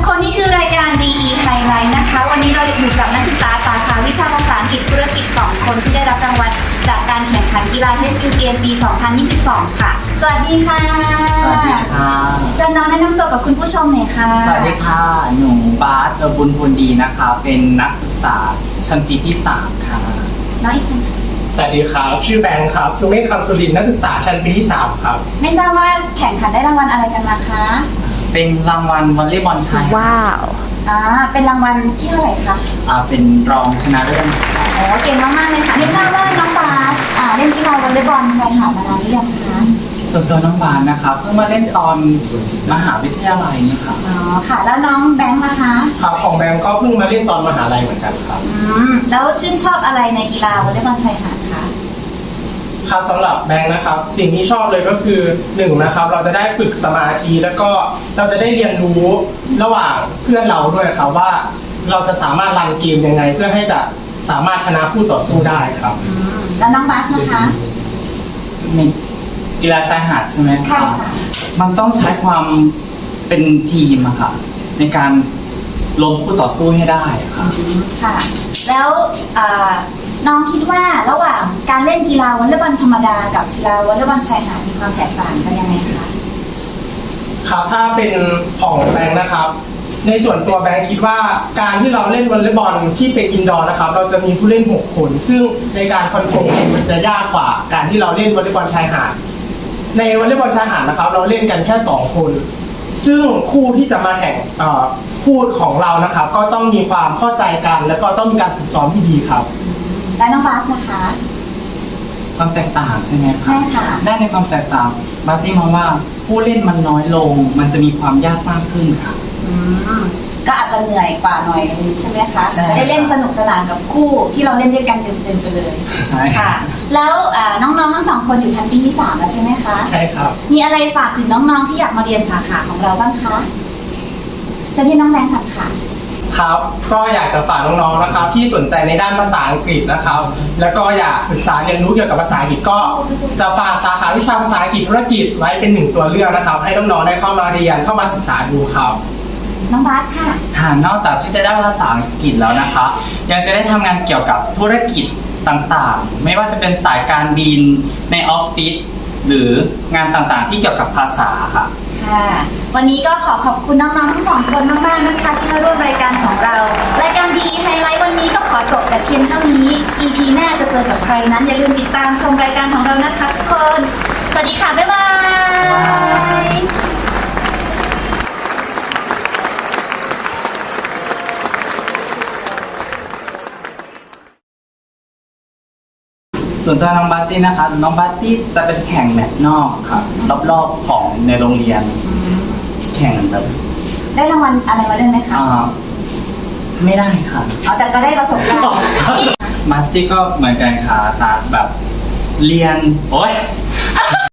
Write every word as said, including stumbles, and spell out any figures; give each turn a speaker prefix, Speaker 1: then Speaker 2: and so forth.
Speaker 1: กคนนี่คือรายการ ดี อี Highlight นะคะวันนี้เราอยู่กับนักศึกษาสาขาวิชาภาษาอังกฤษธุรกิจสองคนที่ได้รับรางวัลจากการแข่งขันกีฬา เอช ยู เกม ปี สองพันยี่สิบสอง ค่ะ สวัสดีค่ะ
Speaker 2: สวัสดีค่ะ
Speaker 1: เชิญน้องแนะนำตัวกับคุณผู้ชมหน่อยค่ะ
Speaker 2: สวัสดีค่ะ หนูบาสเออบุญพูนดีนะคะ เป็นนักศึกษาชั้นปีที่สามค่ะ
Speaker 1: น้องอีกคนค่ะ
Speaker 3: สวัสดีครับชื่อแบงค์ครับสุเมธคำสุรินทร์นักศึกษาชั้นปีที่สามครับ
Speaker 1: ไม่ทราบว่าแข่งขันได้รางวัลอะไรกันมาคะ
Speaker 2: เป็นรางวัลวอลเลย์บอลชาย
Speaker 1: ว้าวอ่าเป็นรางวัลที่เท่าไหร่คะ
Speaker 2: อ่าเป็นรองชนะเลิศ
Speaker 1: โอ้เก่งมากๆเลยค่ะไม่ทราบว่าน้องบาสอ่าเล่นกีฬาวอลเลย์บอลชายหาดมานานหรือยังคะ
Speaker 2: ส่วนตัวน้องบาสนะคะเพิ่งมาเล่นตอนมหาวิทยาลัยนี่ค่ะ
Speaker 1: อ๋อค่ะ แล้วน้องแบงค์นะคะ
Speaker 3: ครับของแบงค์ก็เพิ่งมาเล่นตอนมหาลัยเหมือนกันครับ
Speaker 1: อืมแล้วชื่นชอบอะไรในกีฬาวอลเลย์บอลชายหาดคะ
Speaker 3: ครับสำหรับแบงค์นะครับสิ่งที่ชอบเลยก็คือหนึ่งนะครับเราจะได้ฝึกสมาธิแล้วก็เราจะได้เรียนรู้ระหว่างเพื่อนเราด้วยครับว่าเราจะสามารถรันเกมยังไง เพื่อให้จะสามารถชนะคู่ต่อสู้ได้ครับ
Speaker 1: อืมแล้วน้องบาสนะคะ
Speaker 2: ในกีฬาชายหาดใช่ไหม
Speaker 1: ใช่
Speaker 2: คะ
Speaker 1: ค่ะ
Speaker 2: มันต้องใช้ความเป็นทีมอะค่ะในการล้มคู่ต่อสู้ให้ได้อะค่ะ
Speaker 1: อืมค่ะ แล้วอ่าน้องคิดว่าระหว่างการเล่นกีฬาวอลเลย์บอลธรรมดากับกีฬาวอลเลย์บอลชายหาดมีความแตกต่างกันยังไงคะ
Speaker 3: ครับถ้าเป็นของแบงค์นะครับในส่วนตัวแบงค์คิดว่าการที่เราเล่นวอลเลย์บอลที่เป็นอินดอร์นะครับเราจะมีผู้เล่นหกคนซึ่งในการคอนโทรลเกมมันจะยากกว่าการที่เราเล่นวอลเลย์บอลชายหาดในวอลเลย์บอลชายหาดนะครับเราเล่นกันแค่สองคนซึ่งคู่ที่จะมาแข่งเอ่อคู่ของเรานะครับก็ต้องมีความเข้าใจกันแล้วก็ต้องมีการฝึกซ้อมที่ดีครับ
Speaker 1: และน้องบาสนะคะ
Speaker 2: ความแตกต่างใช่ไหมคะ
Speaker 1: ใช่ค่ะ
Speaker 2: ได้ในความแตกต่างบาร์ตี้มองว่าผู้เล่นมันน้อยลง มันจะมีความยากมากขึ้นค่ะ
Speaker 1: อืมก็อาจจะเหนื่อยกว่าหน่อยนึงใช่ไหมคะ
Speaker 2: ใช่
Speaker 1: จะได้เล่นสนุกสนานกับคู่ที่เราเล่นด้วยกันเต็มๆไปเลย
Speaker 2: ใช่
Speaker 1: ค่ะ แล้วอ่าน้องๆทั้งสองคนอยู่ชั้นปีที่สามแล้วใช่ไหมคะ
Speaker 3: ใช่ครับ
Speaker 1: มีอะไรฝากถึงน้องๆที่อยากมาเรียนสาขาของเราบ้างคะเชิญที่น้องแบงค์ค่ะค่ะ
Speaker 3: ครับก็อยากจะฝากน้องๆนะครับที่สนใจในด้านภาษาอังกฤษนะครับ แล้วก็อยากศึกษาเรียนรู้เกี่ยวกับภาษาอังกฤษก็จะฝากสาขาวิชาภาษาอังกฤษธุรกิจไว้เป็นหนึ่งตัวเลือกนะครับ ให้น้องๆได้เข้ามาเรียนเข้ามาศึกษาดูครับ
Speaker 1: น้องบาสค่ะ
Speaker 2: ค่ะนอกจากที่จะได้ภาษาอังกฤษแล้วนะคะ ยังจะได้ทำงานเกี่ยวกับธุรกิจต่างๆ ไม่ว่าจะเป็นสายการบินในออฟฟิศหรืองานต่างๆ ที่เกี่ยวกับภาษาค่ะ
Speaker 1: ค่ะ วันนี้ก็ขอขอบคุณน้องๆทั้งสองคนมากๆนะคะที่มาร่วมรายการของเรา รายการ ดี ไฮไลท์วันนี้ก็ขอจบแต่เพียงเท่านี้ อี พี หน้าจะเจอกับใครนั้นอย่าลืมติดตามชมรายการของเรานะคะทุกคน สวัสดีค่ะ บ๊ายบาย
Speaker 2: ส่วนตัวน้องบาสตี้นะคะ น้องบาสตี้จะเป็นแข่งแมตช์นอกค่ะรอบๆของในโรงเรียน แข่งแบบ
Speaker 1: ได้รางวัลอะไรมาเล่นไหมคะ
Speaker 2: อ่าไม่ได้ค่ะ
Speaker 1: อ๋อแต่ก็ได้ประสบการณ์
Speaker 2: บาสตี้ก็เหมือนกันค่ะจากแบบเรียนโอ๊ย